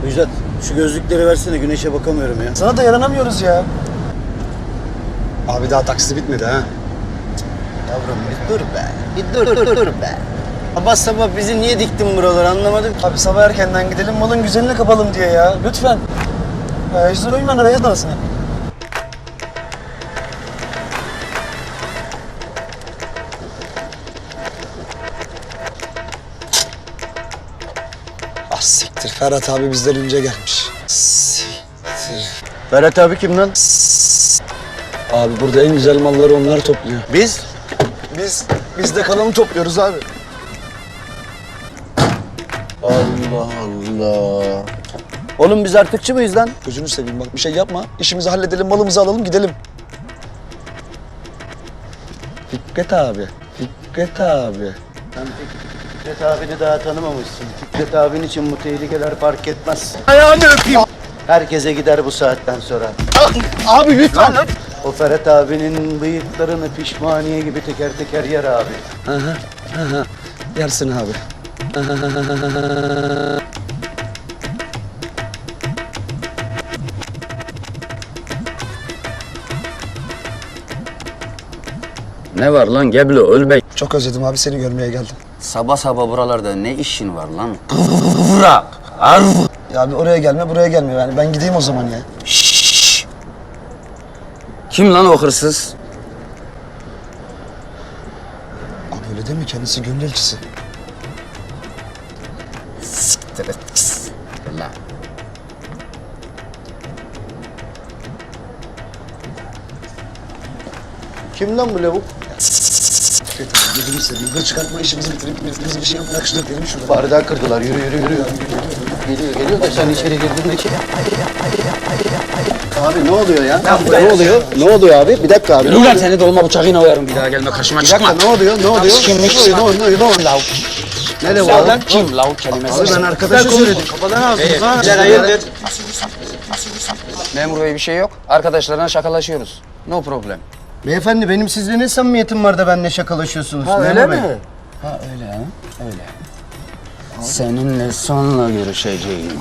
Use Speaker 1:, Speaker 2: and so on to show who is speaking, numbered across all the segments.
Speaker 1: Müjdat, şu gözlükleri versene, güneşe bakamıyorum ya.
Speaker 2: Sana da yaranamıyoruz ya. Abi daha taksi bitmedi ha.
Speaker 1: Yavrum bir dur be, bir dur be. Sabah sabah bizi niye diktin buralara anlamadım.
Speaker 2: Abi sabah erkenden gidelim malın güzelini kapalım diye ya. Lütfen. Yüzden uyman araya dalasına. Ah siktir. Ferhat abi bizden önce gelmiş. Siktir.
Speaker 1: Ferhat abi kim lan?
Speaker 2: Abi burada en güzel malları onlar topluyor.
Speaker 1: Biz?
Speaker 2: Biz de kalanı topluyoruz abi.
Speaker 1: Allah Allah. Oğlum biz artıkçı mıyız lan?
Speaker 2: Gözünü seveyim bak bir şey yapma. İşimizi halledelim, malımızı alalım, gidelim. Fikret abi. Fikret abi.
Speaker 1: Sen Fikret abini daha tanımamışsın. Fikret abin için bu tehlikeler fark etmez. Ayağını öpeyim. Herkese gider bu saatten sonra.
Speaker 2: Abi lütfen.
Speaker 1: O Ferhat abinin bıyıklarını pişmaniye gibi teker teker yer abi.
Speaker 2: Yersin abi.
Speaker 3: Ne var lan Geblo ölme.
Speaker 2: Çok özledim abi seni görmeye geldim.
Speaker 3: Sabah sabah buralarda ne işin var lan? Kıvrak. Arv.
Speaker 2: Ya abi oraya gelme buraya gelme yani ben gideyim o zaman ya.
Speaker 3: Şşş. Kim lan o hırsız?
Speaker 2: Abi öyle değil mi kendisi gönül elçisi.
Speaker 3: Siktir et. Pis. Lan.
Speaker 1: Kim lan bu lavuk?
Speaker 2: Fikret abi gözünü seveyim. Hır çıkartma işimizi bitirip biz bir şey yapmak şurada gidelim şurada.
Speaker 1: Bardağı kırdılar. Yürü. Geliyor da sen içeri girdin de ki. Abi ne oluyor ya? Ne oluyor? Ne oluyor abi? Bir dakika abi.
Speaker 3: Yürü lan seni dolma bıçağıyla oyarım bir daha gelme karşıma
Speaker 1: Bir
Speaker 3: çıkma.
Speaker 1: dakika ne oluyor? Ne oluyor?
Speaker 3: Kimmişsin?
Speaker 1: Ne oluyor?
Speaker 3: Lavuk.
Speaker 1: Ne lavuk?
Speaker 3: Sen lan kim? Lavuk kelimesi.
Speaker 1: Abi ben arkadaşa söyledim. Kafadan aldınız ha.
Speaker 3: Hayırdır? Memur bey bir şey yok. Arkadaşlarına şakalaşıyoruz. No problem.
Speaker 1: Beyefendi benim sizle ne samimiyetim var da benimle şakalaşıyorsunuz?
Speaker 3: Ha,
Speaker 1: Memur
Speaker 3: öyle
Speaker 1: Bey.
Speaker 3: mi? Ha öyle ha? Öyle. Seninle sonra görüşeceğim.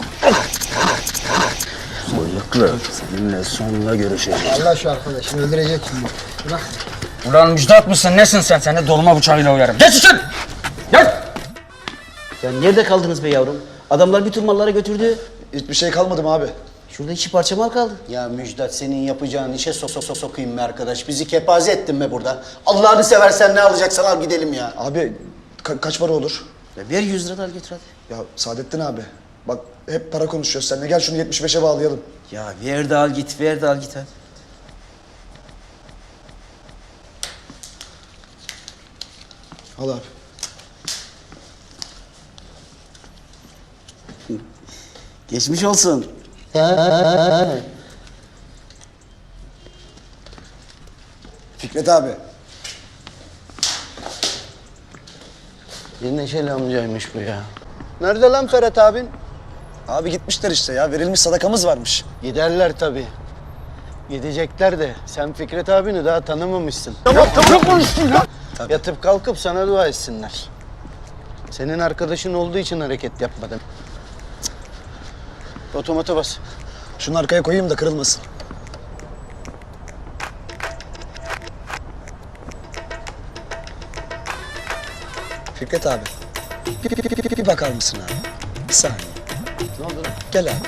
Speaker 3: Bıyıklı. Seninle sonra görüşeceğim.
Speaker 2: Allah şu arkadaşını öldürecek şimdi. Bırak.
Speaker 3: Ulan Müjdat mısın? Nesin sen? Seni dolma bıçağıyla oyarım. Geç içeri! Gel!
Speaker 4: Ya nerede kaldınız be yavrum? Adamlar bütün malları götürdü.
Speaker 2: Hiçbir şey kalmadı mı abi?
Speaker 4: Şurada 2 parça mal kaldı.
Speaker 1: Ya Müjdat senin yapacağın işe sokayım be arkadaş. Bizi kepaze ettin be burada. Allah'ını seversen ne alacaksan al gidelim ya.
Speaker 2: Abi kaç para olur?
Speaker 4: Ya ver 100 lira da al götür hadi.
Speaker 2: Ya Saadettin abi bak hep para konuşuyoruz seninle. Gel şunu 75'e bağlayalım.
Speaker 4: Ya ver de al git, ver de al git hadi.
Speaker 2: Al abi.
Speaker 4: Geçmiş olsun.
Speaker 2: Fikret abi.
Speaker 1: Bir neşeli amcaymış bu ya. Nerede lan Ferhat abin?
Speaker 2: Abi gitmişler işte ya. Verilmiş sadakamız varmış.
Speaker 1: Giderler tabii. Gidecekler de sen Fikret abini daha tanımamışsın.
Speaker 2: Tamam konuştun ya.
Speaker 1: Yatıp kalkıp sana dua etsinler. Senin arkadaşın olduğu için hareket yapmadım. Otomata bas.
Speaker 2: Şunu arkaya koyayım da kırılmasın. Fikret abi. Bir bakar mısın abi? Bir saniye.
Speaker 1: Ne oldu lan?
Speaker 2: Gel abi.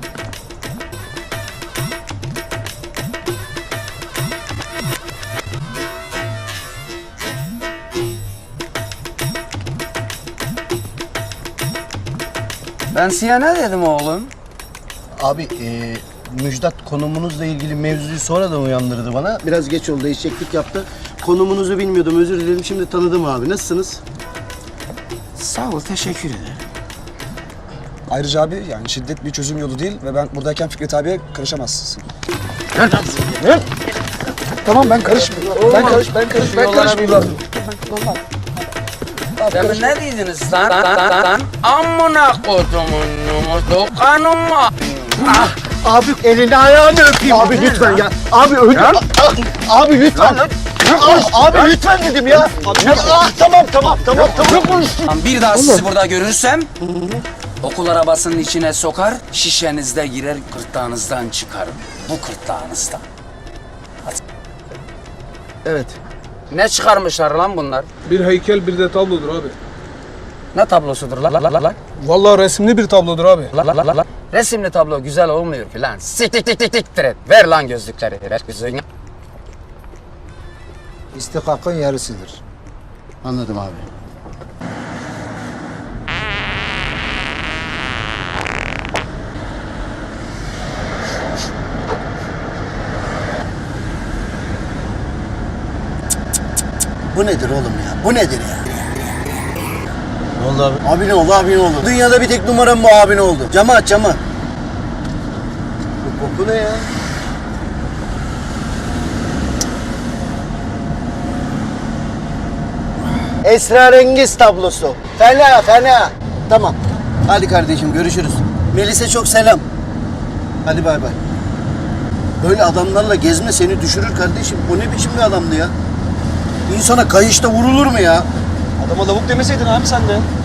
Speaker 3: Ben size ne dedim oğlum?
Speaker 1: Abi Müjdat konumunuzla ilgili mevzuyu sonradan uyandırdı bana. Biraz geç oldu, eşeklik yaptı. Konumunuzu bilmiyordum, özür dilerim. Şimdi tanıdım abi. Nasılsınız?
Speaker 3: Sağ ol, teşekkür ederim.
Speaker 2: Ayrıca abi yani şiddet bir çözüm yolu değil ve ben buradayken Fikret abiye karışamazsın. Tamam ben karışmıyorum. Ben karışmıyorum.
Speaker 3: Demin ne dediniz lan? Amına kodumun dokanıma.
Speaker 1: Abi elini ayağını öpeyim. Abi lütfen ya. Abi öldü. Abi lütfen. Abi lütfen dedim ya. Tamam.
Speaker 3: Bir daha sizi burada görürsem Okul arabasının içine sokar, şişenizde girer, gırtlağınızdan çıkarım. Bu gırtlağınızdan.
Speaker 1: Evet.
Speaker 3: Ne çıkarmışlar lan bunlar?
Speaker 5: Bir heykel bir de tablodur abi.
Speaker 3: Ne tablosudur la?
Speaker 5: Vallahi resimli bir tablodur abi.
Speaker 3: La. Resimli tablo güzel olmuyor filan. Siktir et. Ver lan gözlükleri. Ver gözlüğünü.
Speaker 6: İstikakın yarısıdır.
Speaker 1: Anladım abi. Bu nedir oğlum ya? Bu nedir ya?
Speaker 4: Ne oldu abi?
Speaker 1: Abi ne oldu, abi ne oldu? Dünyada bir tek numaram bu abi ne oldu? Camı aç, camı. Bu koku ne ya? Esrarengiz tablosu. Fena. Tamam. Hadi kardeşim görüşürüz. Melis'e çok selam. Hadi bay bay. Böyle adamlarla gezme seni düşürür kardeşim. O ne biçim bir adamdı ya? İnsana kayışta vurulur mu ya?
Speaker 2: Adama lavuk demeseydin abi sen de.